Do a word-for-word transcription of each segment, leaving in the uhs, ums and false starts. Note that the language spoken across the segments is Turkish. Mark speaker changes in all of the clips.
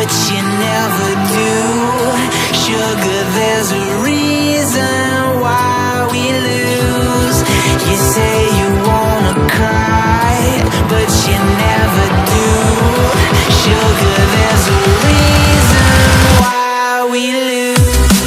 Speaker 1: but you never do. Sugar, there's a reason why we lose. You say you wanna cry, but you never do. Sugar, there's a reason why we lose.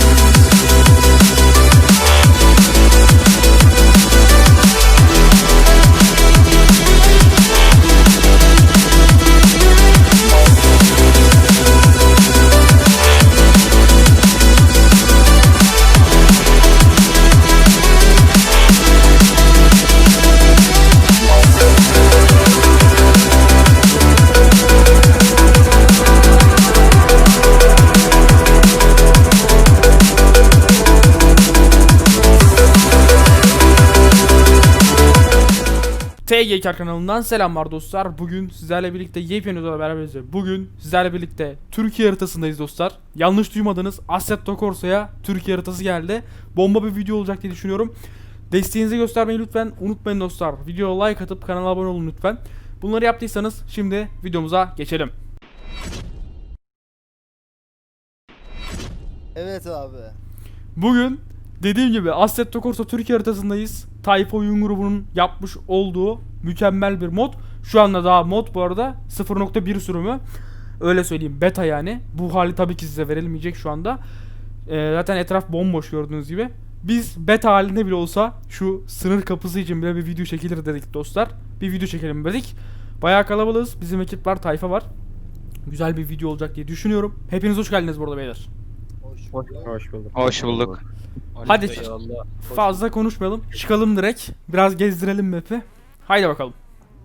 Speaker 2: T G K kanalından selamlar dostlar. Bugün sizlerle birlikte yepyeni videoda beraberiz. Bugün sizlerle birlikte Türkiye haritasındayız dostlar. Yanlış duymadınız, Assetto Corsa'ya Türkiye haritası geldi. Bomba bir video olacak diye düşünüyorum. Desteğinizi göstermeyi lütfen unutmayın dostlar. Videoya like atıp kanala abone olun lütfen. Bunları yaptıysanız şimdi videomuza geçelim.
Speaker 3: Evet abi.
Speaker 2: Bugün dediğim gibi Assetto Corsa Türkiye haritasındayız. Tayfa Oyun Grubu'nun yapmış olduğu mükemmel bir mod. Şu anda daha mod bu arada sıfır nokta bir sürümü. Öyle söyleyeyim, beta yani. Bu hali tabii ki size verilmeyecek şu anda. Ee, zaten etraf bomboş gördüğünüz gibi. Biz beta halinde bile olsa şu sınır kapısı için bile bir video çekilir dedik dostlar. Bir video çekelim dedik. Bayağı kalabalığız. Bizim ekip var, tayfa var. Güzel bir video olacak diye düşünüyorum. Hepiniz hoş geldiniz burada beyler.
Speaker 3: Hoş
Speaker 4: Hoş,
Speaker 3: bulduk.
Speaker 4: hoş bulduk.
Speaker 5: Hoş bulduk.
Speaker 2: Hadi fazla konuşmayalım. Çıkalım direkt. Biraz gezdirelim map'i. Haydi bakalım.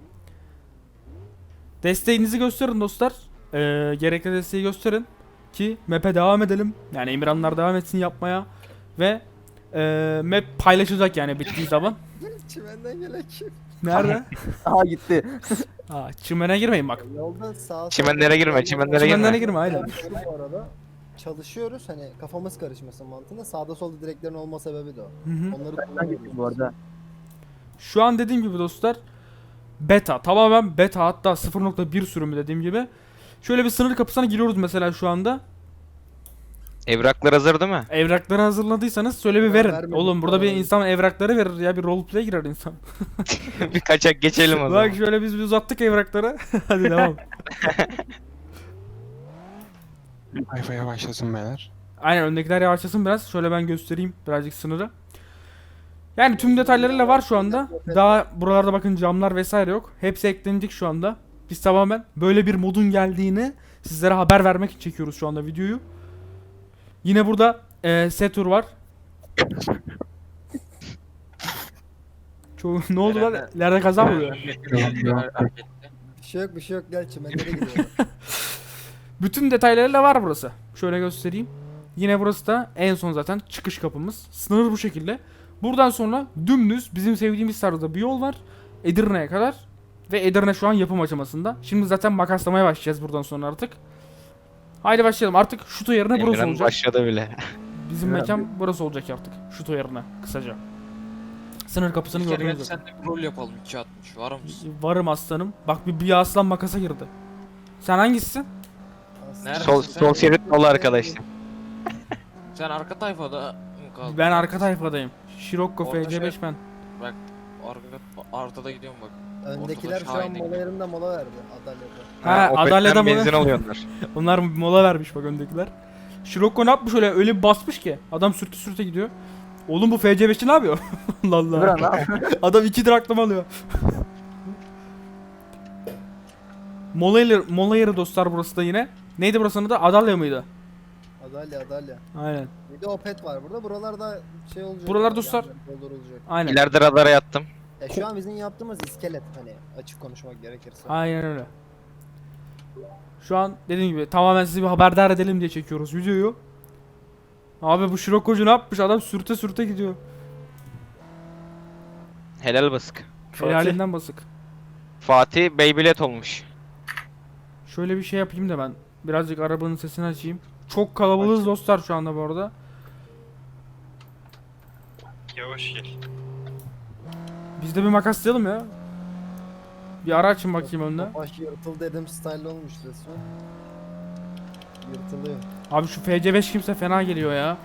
Speaker 2: Desteğinizi gösterin dostlar. Ee, gerekli desteği gösterin ki map'e devam edelim. Yani Emirhanlar devam etsin yapmaya. Ve e, map paylaşacak yani bittiği zaman.
Speaker 3: Çimenden gelen kim?
Speaker 2: Nerede?
Speaker 4: Aha gitti.
Speaker 2: Aa, çimene girmeyin bak.
Speaker 3: Yolda sağa
Speaker 5: Çimenlere girme, çimenlere
Speaker 2: Çimenlere
Speaker 5: girme.
Speaker 2: girme aynen.
Speaker 3: Bu arada çalışıyoruz hani kafamız karışmasın mantığında sağda solda direklerin olma sebebi de o.
Speaker 2: Hı hı.
Speaker 3: Onları
Speaker 4: Ben
Speaker 3: kullanıyoruz.
Speaker 4: gittim bu arada.
Speaker 2: Şu an dediğim gibi dostlar beta, tamamen beta, hatta sıfır nokta bir sürümü dediğim gibi. Şöyle bir sınır kapısına giriyoruz mesela şu anda.
Speaker 5: Evraklar hazır değil mi?
Speaker 2: Evrakları hazırladıysanız söyle bir
Speaker 3: Ya
Speaker 2: verin.
Speaker 3: vermedik
Speaker 2: Oğlum burada bir
Speaker 3: falan.
Speaker 2: insan evrakları verir ya, bir roleplay girer insan.
Speaker 5: Bir kaçak geçelim o zaman.
Speaker 2: Bak şöyle biz bir uzattık evrakları. Hadi devam.
Speaker 6: Sayfaya başlasın beyler.
Speaker 2: Aynen, öndekiler yavaşlasın biraz. Şöyle ben göstereyim birazcık sınırı. Yani tüm detaylarıyla var şu anda. Daha buralarda bakın camlar vesaire yok. Hepsi eklenecek şu anda. Biz tamamen böyle bir modun geldiğini sizlere haber vermek için çekiyoruz şu anda videoyu. Yine burada e, Setur var. Çoğu ne oldu lan? İleride kaza mı oluyor?
Speaker 3: Bir şey yok bir şey yok gel çimenlere gidiyor.
Speaker 2: Bütün detaylarıyla var burası. Şöyle göstereyim. Yine burası da en son zaten çıkış kapımız. Sınır bu şekilde. Buradan sonra dümdüz bizim sevdiğimiz tarzda bir yol var. Edirne'ye kadar. Ve Edirne şu an yapım aşamasında. Şimdi zaten makaslamaya başlayacağız buradan sonra artık. Haydi başlayalım. Artık şuto yerine burası
Speaker 5: Emirhan
Speaker 2: olacak.
Speaker 5: başladı bile.
Speaker 2: Bizim mekan burası olacak artık. Şuto yerine kısaca. Sınır kapısını
Speaker 7: Bir kere
Speaker 2: gördünüz
Speaker 7: gel
Speaker 2: zaten.
Speaker 7: sen de bir rol yapalım iki altmış var mısın?
Speaker 2: Varım aslanım. Bak bir, bir aslan makasa girdi. Sen hangisisin?
Speaker 7: Nerede?
Speaker 5: Sol, sol şerit dolu arkadaşlar.
Speaker 7: Sen arka tayfada mı kaldın?
Speaker 2: Ben arka tayfadayım. Scirocco
Speaker 7: Orada
Speaker 2: F C beş
Speaker 7: şey-
Speaker 2: ben.
Speaker 7: Arka, ortada gidiyorum bak.
Speaker 3: Öndekiler şu an
Speaker 7: Şahin'e
Speaker 3: mola yerinde mola verdi Adalya'da.
Speaker 2: Ha,
Speaker 5: Opet'ten
Speaker 2: Adalya'da mı?
Speaker 5: benzin alıyorlar.
Speaker 2: Onlar mola vermiş bak öndekiler. Scirocco ne yapmış öyle, öyle bir basmış ki. Adam sürtü sürte gidiyor. Oğlum bu F C beş'i ne yapıyor? Allah Allah.
Speaker 4: Buran lan.
Speaker 2: Adam iki draklama alıyor. mola yeri, mola yeri dostlar burası da yine. Neydi burasının adı? Adalya mıydı?
Speaker 3: Adalya Adalya.
Speaker 2: Aynen.
Speaker 3: Bir de Opet var burada. Buralarda şey olacak.
Speaker 2: Buralar
Speaker 3: yani,
Speaker 2: dostlar-
Speaker 3: yani doldurulacak.
Speaker 2: Aynen.
Speaker 5: İleride radara yattım.
Speaker 3: Ya şu an bizim yaptığımız iskelet hani açık konuşmak gerekirse.
Speaker 2: Aynen öyle. Şu an dediğim gibi tamamen sizi bir haberdar edelim diye çekiyoruz videoyu. Abi bu Scirocco'cu ne yapmış? Adam sürte sürte gidiyor.
Speaker 5: Helal basık.
Speaker 2: Helalinden basık.
Speaker 5: Fatih Beybilet olmuş.
Speaker 2: Şöyle bir şey yapayım da ben. Birazcık arabanın sesini açayım. Çok kalabalığız dostlar şu anda bu arada.
Speaker 6: Yavaş gel.
Speaker 2: Biz de bir makaslayalım ya. Bir ara açın bakayım önüne.
Speaker 3: Baş yırtıl dedim style olmuş resmen. Yırtılıyor.
Speaker 2: Abi şu F C beş kimse fena geliyor ya.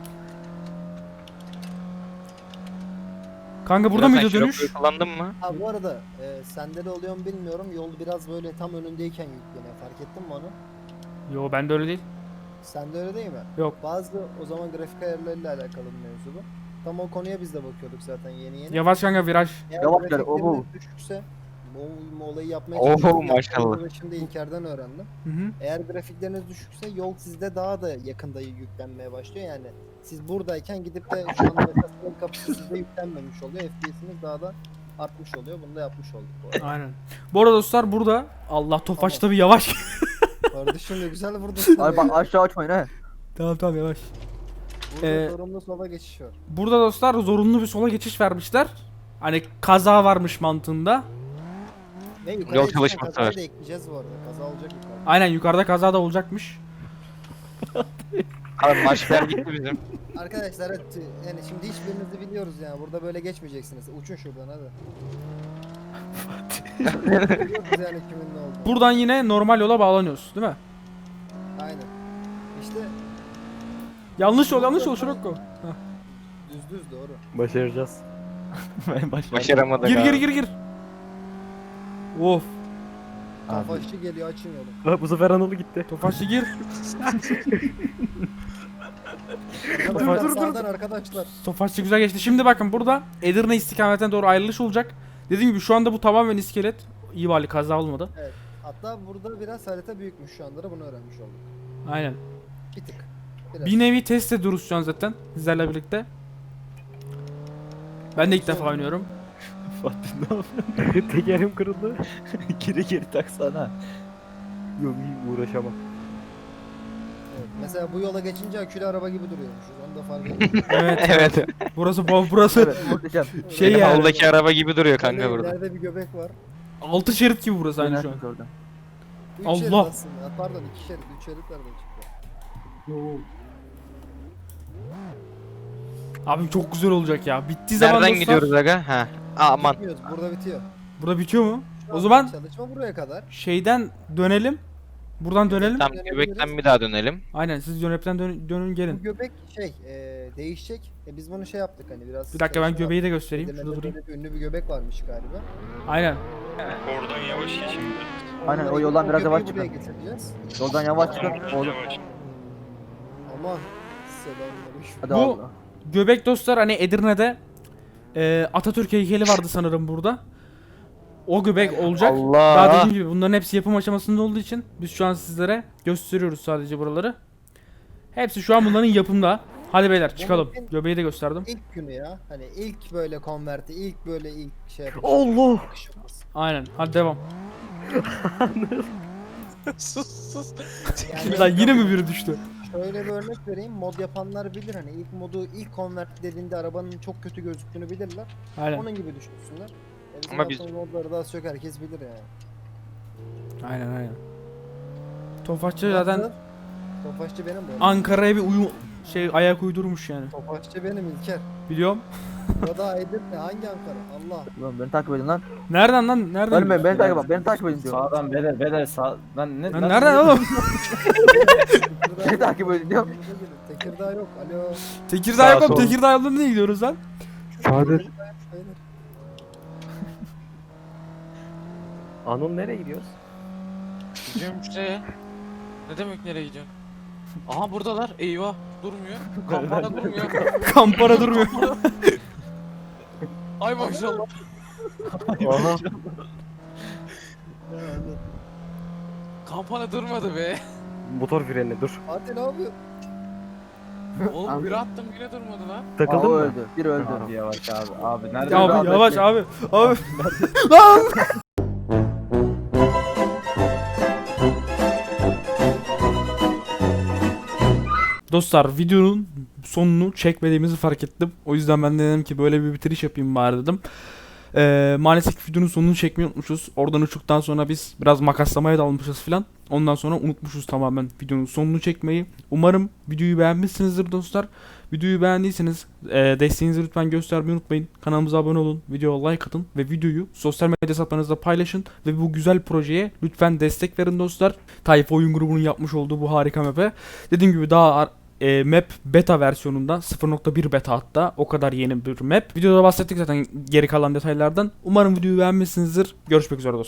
Speaker 2: Kanka burada
Speaker 5: Biraz
Speaker 2: mıydı
Speaker 5: sen
Speaker 2: dönüş?
Speaker 5: Şiroko'yu kullandın mı?
Speaker 3: Ha bu arada e, sende de oluyor mu bilmiyorum. Yol biraz böyle tam önündeyken yükleniyor. Fark ettin mi onu?
Speaker 2: Yo bende öyle değil.
Speaker 3: Sende öyle değil mi?
Speaker 2: Yok.
Speaker 3: Bazı o zaman grafik ayarlarıyla alakalı bir mevzu bu. Tam o konuya biz de bakıyorduk zaten yeni yeni.
Speaker 2: Yavaş kanka viraj.
Speaker 3: Eğer
Speaker 4: Yavaş gel,
Speaker 3: grafikleriniz
Speaker 4: oho.
Speaker 3: düşükse bu, bu olayı yapmaya
Speaker 5: Oho,
Speaker 3: çalışıyorum.
Speaker 5: maşallah.
Speaker 3: Yaptığımı da Şimdi İlker'den öğrendim.
Speaker 2: Hı hı.
Speaker 3: Eğer grafikleriniz düşükse yol sizde daha da yakında yüklenmeye başlıyor yani. Siz buradayken gidip de şu anda mesela sınır kapısı sizde yüklenmemiş oluyor. F P S'iniz daha da artmış oluyor. Bunu da yapmış olduk bu arada.
Speaker 2: Aynen. Bu arada dostlar burada Allah Tofaş'ta bir yavaş.
Speaker 3: Kardeşim de güzel vurdun.
Speaker 4: Ay bak aşağı açmayın he.
Speaker 2: Tamam tamam yavaş.
Speaker 3: Burada
Speaker 2: Ee,
Speaker 3: sorumlu sola geçiş var.
Speaker 2: Burada dostlar zorunlu bir sola geçiş vermişler. Hani kaza varmış mantığında.
Speaker 3: Ve yukarıya
Speaker 5: Yol
Speaker 3: çıkan
Speaker 5: çalışması
Speaker 3: kazayı
Speaker 5: var.
Speaker 3: da ekleyeceğiz bu arada. Kaza olacak yukarıda.
Speaker 2: Aynen yukarıda kaza da olacakmış.
Speaker 5: Abi maçlar gitti bizim.
Speaker 3: Arkadaşlar evet, yani şimdi hiçbirinizi biliyoruz yani. Burada böyle geçmeyeceksiniz. Uçun şuradan hadi. Biliyoruz yani kimin ne olduğunu.
Speaker 2: Buradan yine normal yola bağlanıyoruz değil mi?
Speaker 3: Aynen. İşte
Speaker 2: Yanlış yol yanlış yol Şirokko.
Speaker 3: düz düz doğru.
Speaker 4: Başaracağız. ben başaracağım.
Speaker 5: Başaramadık
Speaker 2: Gir
Speaker 5: abi.
Speaker 2: gir gir gir. Of.
Speaker 3: Kafaşçı geliyor açın yolu.
Speaker 4: Bu sefer Anadolu gitti.
Speaker 2: Tofaş'ı gir.
Speaker 3: Arkadaşlar,
Speaker 2: dur, dur,
Speaker 3: sağdan arkadaşlar.
Speaker 2: Tofaş'ı güzel geçti. Şimdi bakın burada Edirne istikametine doğru ayrılış olacak. Dediğim gibi şu anda bu tamamen iskelet. İyi bari kaza olmadı.
Speaker 3: Hatta burada biraz harita büyükmüş şu anda da bunu öğrenmiş olduk.
Speaker 2: Aynen.
Speaker 3: Bir tık. Biraz.
Speaker 2: Bir nevi test ediyoruz şu an zaten sizlerle birlikte. Ben de ilk defa oynuyorum.
Speaker 4: Fatih ne yapıyorsun? Tekerim kırıldı. geri geri taksana. Yok iyi uğraşamam.
Speaker 3: Evet. Mesela bu yola geçince akülü araba gibi duruyormuşuz. Onu da fark ettim.
Speaker 2: Evet.
Speaker 5: Evet.
Speaker 2: Burası bu burası
Speaker 4: Evet muhteşem.
Speaker 2: şey
Speaker 5: Benim
Speaker 2: yani.
Speaker 5: havldaki araba gibi duruyor kanka
Speaker 3: Böyle
Speaker 5: burada.
Speaker 3: ileride bir göbek var.
Speaker 2: Altı şerit gibi burası aynı şu an.
Speaker 4: Oradan.
Speaker 3: Üç
Speaker 2: Allah!
Speaker 3: şerit aslında. Pardon iki şerit. Üç şerit nereden çıktı?
Speaker 2: Abi çok güzel olacak ya. Bittiği zaman
Speaker 5: Nereden
Speaker 2: dostlar-
Speaker 5: gidiyoruz aga? Ha. Aman.
Speaker 3: Bitmiyoruz. Burada bitiyor.
Speaker 2: Burada bitiyor mu?
Speaker 3: Şu
Speaker 2: O
Speaker 3: an
Speaker 2: zaman-
Speaker 3: çalışma buraya kadar.
Speaker 2: Şeyden dönelim. Buradan dönelim.
Speaker 5: Tam göbekten bir daha dönelim.
Speaker 2: Aynen siz yönepten dön dönün
Speaker 3: Bu
Speaker 2: gelin.
Speaker 3: göbek şey e, değişecek. E, biz bunu şey yaptık hani biraz.
Speaker 2: Bir dakika ben
Speaker 3: çalışma
Speaker 2: göbeği de
Speaker 3: yaptık.
Speaker 2: göstereyim.
Speaker 3: Edirne'de
Speaker 2: Şurada durayım.
Speaker 3: böyle bir ünlü bir göbek varmış galiba.
Speaker 2: Aynen.
Speaker 6: Oradan yavaş geçin.
Speaker 4: Aynen, o
Speaker 3: Onları-
Speaker 4: yoldan biraz
Speaker 3: göbeği
Speaker 4: yavaş
Speaker 3: buraya
Speaker 4: çıkın.
Speaker 3: getireceğiz.
Speaker 4: Yoldan yavaş çıkın.
Speaker 6: Biraz
Speaker 4: Oğlum.
Speaker 6: yavaş.
Speaker 3: Aman. Selamünaleyküm.
Speaker 4: Hadi
Speaker 2: Bu-
Speaker 4: Allah.
Speaker 2: Göbek dostlar hani Edirne'de e, Atatürk heykeli vardı sanırım burada. O göbek olacak. Daha
Speaker 5: Allah.
Speaker 2: dediğim gibi bunların hepsi yapım aşamasında olduğu için biz şu an sizlere gösteriyoruz sadece buraları. Hepsi şu an bunların yapımda. Hadi beyler çıkalım.
Speaker 3: Bunun-
Speaker 2: Göbeği de gösterdim.
Speaker 3: İlk günü ya. Hani ilk böyle konverti, ilk böyle ilk şey yapıp
Speaker 4: Allah.
Speaker 3: bakışımız.
Speaker 2: Aynen. Hadi devam.
Speaker 7: sus sus.
Speaker 3: Yani
Speaker 2: Lan yine mi biri düştü?
Speaker 3: şöyle bir örnek vereyim. Mod yapanlar bilir hani ilk modu ilk konvert dediğinde arabanın çok kötü gözüktüğünü bilirler.
Speaker 2: Aynen.
Speaker 3: Onun gibi düşünsünler. E bizim
Speaker 5: Ama biz-
Speaker 3: yaptığımız modları daha az çok herkes bilir yani.
Speaker 2: Aynen aynen. Tofaşçı zaten
Speaker 3: Nasıl? Tofaşçı benim bu. arada.
Speaker 2: Ankara'ya bir uyum şey ayak uydurmuş yani.
Speaker 3: Tofaşçı benim İlker.
Speaker 2: Biliyorum.
Speaker 3: Burada Edirne hangi Ankara? Allah.
Speaker 4: Lan beni takip edin lan.
Speaker 2: Nereden lan? Nereden?
Speaker 4: Ölme beni
Speaker 2: biliyorsun?
Speaker 4: takip edin. Beni takip edin diyorum.
Speaker 8: Sağdan beder beder sağ lan ne
Speaker 2: Lan
Speaker 8: lan-
Speaker 2: nereden oğlum?
Speaker 3: Tekirdağ
Speaker 4: Beni takip edin diyorum.
Speaker 3: Tekirdağ yok. Alo.
Speaker 2: Tekirdağ
Speaker 5: Sağ
Speaker 2: yok oğlum.
Speaker 5: sol.
Speaker 2: Tekirdağ yolunda niye gidiyoruz lan?
Speaker 4: Sadır.
Speaker 3: Beyler.
Speaker 8: Anıl nereye gidiyoruz?
Speaker 7: Gidiyorum işte. Ne demek nereye gidiyorsun? Aha buradalar. Eyvah. Durmuyor. Kampana durmuyor.
Speaker 2: Kampara durmuyor.
Speaker 7: Ay maşallah.
Speaker 8: Aha.
Speaker 7: Kampana durmadı be.
Speaker 8: Motor freni dur.
Speaker 3: Fatih ne yapıyor?
Speaker 7: Oğlum bir attım yine durmadı lan.
Speaker 4: Aa,
Speaker 8: Takıldın
Speaker 4: o
Speaker 8: mı?
Speaker 4: öldü. Bir öldü.
Speaker 8: Abi yavaş abi. Abi nerede?
Speaker 2: Ya abi
Speaker 4: Abi,
Speaker 2: yavaş
Speaker 4: bekle.
Speaker 2: abi. Abi. Lan! Dostlar videonun sonunu çekmediğimizi fark ettim. O yüzden ben de dedim ki böyle bir bitiriş yapayım bari dedim. Ee, maalesef videonun sonunu çekmeyi unutmuşuz. Oradan uçtuktan sonra biz biraz makaslamaya dalmışız filan. Ondan sonra unutmuşuz tamamen videonun sonunu çekmeyi. Umarım videoyu beğenmişsinizdir dostlar. Videoyu beğendiyseniz e, desteğinizi lütfen göstermeyi unutmayın. Kanalımıza abone olun, videoya like atın ve videoyu sosyal medya hesaplarınızda paylaşın ve bu güzel projeye lütfen destek verin dostlar. Tayfa Oyun Grubu'nun yapmış olduğu bu harika map'e. Dediğim gibi daha ar- e, map beta versiyonunda sıfır nokta bir beta, hatta o kadar yeni bir map. Videoda bahsettik zaten geri kalan detaylardan. Umarım videoyu beğenmişsinizdir. Görüşmek üzere dostlar.